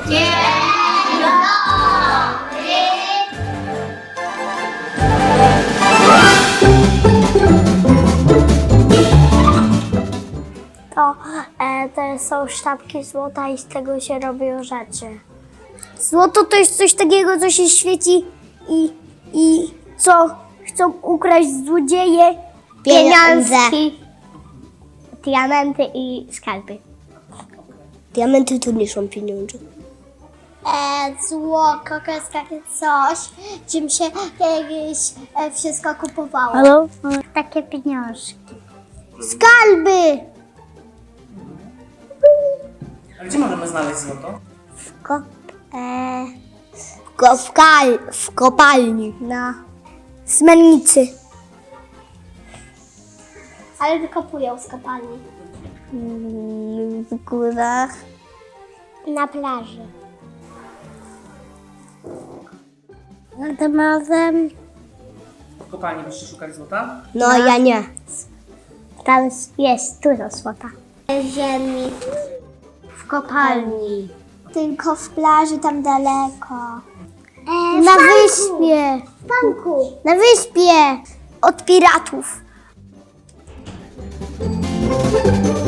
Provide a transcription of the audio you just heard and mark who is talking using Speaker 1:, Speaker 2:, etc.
Speaker 1: To są sztabki złota i z tego się robią rzeczy. Złoto to jest coś takiego, co się świeci i co chcą ukraść złodzieje, pieniążki, diamenty i skarby.
Speaker 2: Diamenty to nie są pieniądze.
Speaker 1: Złoto to jest takie coś, czym się kiedyś wszystko kupowało.
Speaker 2: Halo?
Speaker 1: Takie pieniążki. Skarby!
Speaker 3: A gdzie możemy znaleźć złoto?
Speaker 2: W kopalni.
Speaker 1: Na Smennicy. Ale wykopują z kopalni.
Speaker 2: W górach.
Speaker 1: Na plaży. Nad morzem.
Speaker 3: W kopalni byście szukali złota?
Speaker 2: No, ja nie.
Speaker 1: Tam jest dużo złota. Ziemi. W kopalni. Tylko w plaży tam daleko. Na wyspie. W banku. Na wyspie. Od piratów.